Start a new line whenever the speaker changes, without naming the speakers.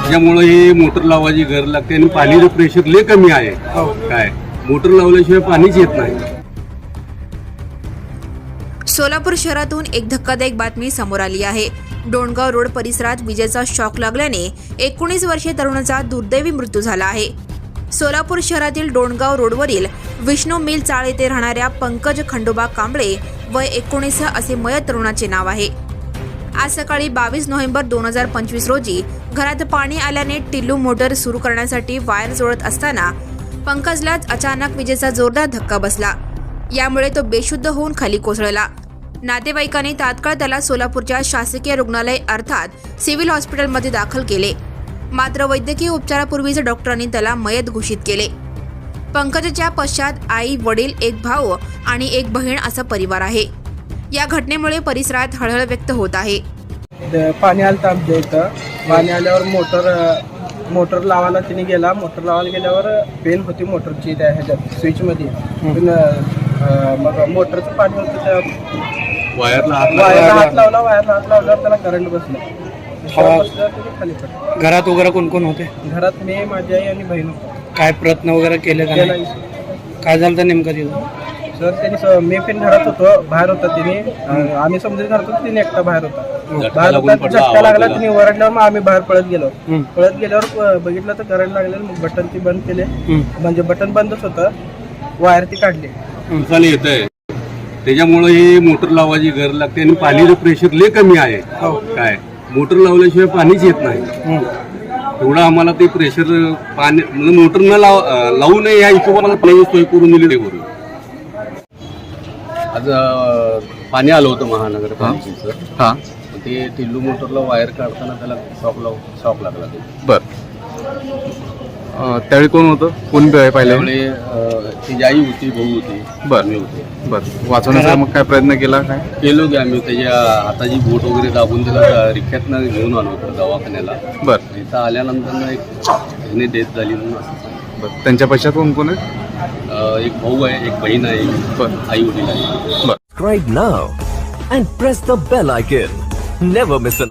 त्याच्यामुळे हे मोटर लावायची गरज लागते आणि पाणीचं प्रेशर लय कमी आहे. काय मोटर लावल्याशिवाय पाणीच येत नाही.
सोलापूर शहरातून एक धक्कादायक बातमी समोर आली आहे. डोणगाव रोड परिसरात विजेचा शॉक लागल्याने 19 वर्षीय तरुणाचा दुर्दैवी मृत्यू झाला आहे. सोलापूर शहरातील डोणगाव रोडवरील विष्णू मिल चाळ येथे राहणाऱ्या पंकज खंडोबा कांबळे वय 19 असे मयत तरुणाचे नाव आहे. आज सकाळी 22 नोव्हेंबर 2025 रोजी घरात पाणी आल्याने टिल्लू मोटर सुरू करण्यासाठी वायर जोडत असताना पंकजलाच अचानक विजेचा जोरदार धक्का बसला. यामुळे तो बेशुद्ध होऊन खाली कोसळला. नातेवाईकांनी तात्काळ त्याला सोलापूरच्या शासकीय रुग्णालय अर्थात सिव्हिल हॉस्पिटलमध्ये दाखल केले. मात्र वैद्यकीय उपचारापूर्वीच डॉक्टरांनी त्याला मयत घोषित केले. पंकजच्या पश्चात आई, वडील, एक भाऊ आणि एक बहीण असा परिवार आहे. या घटनेमुळे परिसरात हळहळ व्यक्त होत आहे.
पाणी आलं आमच्या इथं. पाणी आल्यावर मोटर लावायला तिने गेला. मोटर लावायला गेल्यावर पेन होती मोटरची त्या ह्याच्यात स्विचमध्ये. पण मग मोटरचं पाणी होतं त्या वायरला हात लावल्यावर त्याला करंट बसला. खाली पडलं.
घरात वगैरे कोण कोण होते?
घरात मी, माझी आई आणि बहीण होतो.
काय प्रयत्न वगैरे केले का नाही? काय झालं तर नेमकं तिथं?
सर त्यांनी मी पण घरात होतो, बाहेर होता तिने. आम्ही समजून घरात होतो, तिने एकटा बाहेर होता. बाहेर होता, झटका लागला. तिने ओरडल्यावर मग आम्ही बाहेर पळत गेल्यावर बघितलं तर करंट लागलेलं. मग बटन ती बंद केले. म्हणजे बटन बंदच होतं, वायर ती काढली.
येत आहे त्याच्यामुळे हे मोटर लावायची गरज लागते आणि पाणीचं प्रेशर लय कमी आहे. काय मोटर लावल्याशिवाय पाणीच येत नाही. तेवढं आम्हाला ते प्रेशर पाणी म्हणजे मोटर न लावू नये या हिशोबाला पाण्याची सोय करून दिली. बरोबर आज पाणी आलं होतं महानगरपालिकेचं.
हां,
ते टिल्लू मोटरला वायर काढताना त्याला शॉक लागला.
बर. त्यावेळी कोण होतं? कोण पाहिलं?
त्यामुळे ती आई होती, भाऊ होती,
बर.
मी होते.
बर. वाचवण्याचा मग काय प्रयत्न केला? काय
केलो की आम्ही त्याच्या हाताची बोट वगैरे दाबून त्याला रिक्षातनं घेऊन आलो होतो दवाखान्याला.
बर.
इथं आल्यानंतर एक डेथ झाली म्हणून असं.
बर. त्यांच्या पश्चात कोण कोण आहे?
एक भाऊ आहे, एक बहीण आहे,
बर.
आई वडील आहे.
बर.
Subscribe now and press the bell icon. Never miss an